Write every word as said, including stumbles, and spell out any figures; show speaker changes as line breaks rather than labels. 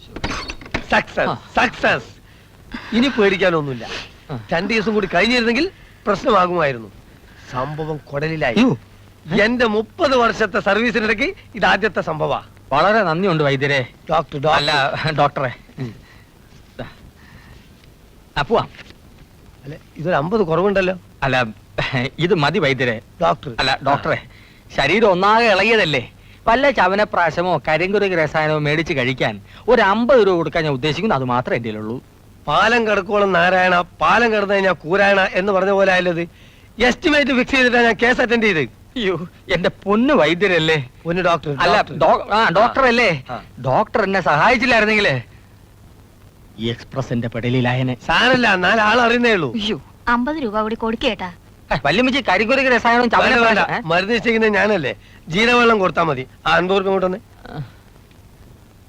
Success success. ഇനി പേടിക്കാനൊന്നുമില്ല. രണ്ടു ദിവസം കൂടി കഴിഞ്ഞിരുന്നെങ്കിൽ പ്രശ്നമാകുമായിരുന്നു. സംഭവം കുടലിലായി. എന്റെ മുപ്പത് വർഷത്തെ സർവീസിനിടയ്ക്ക് ഇത് ആദ്യത്തെ സംഭവ.
വളരെ നന്ദിയുണ്ട് വൈദ്യരെ.
ഡോക്ടർ
അല്ല ഡോക്ടറെ. പോവാ.
അല്ല ഇതൊരു അമ്പത് കുറവുണ്ടല്ലോ.
അല്ല ഇത് മതി വൈദ്യരെ.
ഡോക്ടർ
അല്ല ഡോക്ടറെ, ശരീരം ഒന്നാകെ ഇളകിയതല്ലേ. വല്ല ചവനപ്രാശമോ കരിങ്കുരുക്ക് രസായനമോ മേടിച്ച് കഴിക്കാൻ ഒരു അമ്പത് രൂപ കൊടുക്കാൻ ഞാൻ ഉദ്ദേശിക്കുന്നു. അത് മാത്രമേ എൻ്റെ ഉള്ളൂ.
പാലം കിടക്കോളം നാരായണ, പാലം കിടന്നു കഴിഞ്ഞാൽ കൂരായണ എന്ന് പറഞ്ഞ പോലെ ആയല്ലത്. എസ്റ്റിമേറ്റ് ഫിക്സ് ചെയ്തിട്ടാണ് ഞാൻ കേസ് അറ്റൻഡ് ചെയ്ത്.
അയ്യോ എന്റെ പൊന്ന് വൈദ്യരല്ലേ.
പൊന്ന് ഡോക്ടർ.
അല്ല ഡോക്ടർ അല്ലേ. ഡോക്ടർ എന്നെ സഹായിച്ചില്ലായിരുന്നെങ്കിലേ ഈ എക്സ്പ്രസിന്റെ പെടലിലായനെ.
സാരല്ല, നാലാൾ അറിയുന്നേ ഉള്ളൂ.
അമ്പത് രൂപ കൂടി കൊടുക്കേട്ടാ.
വല്യമ്മച്ചി കരിങ്കുരുക്ക് രസായനവും ചവന
മരുന്ന് നിശ്ചയിക്കുന്നത് ഞാനല്ലേ. ജീരവെള്ളം കൊടുത്താൽ മതി. ആ അൻപത് രൂപ കൊണ്ടുവന്ന്.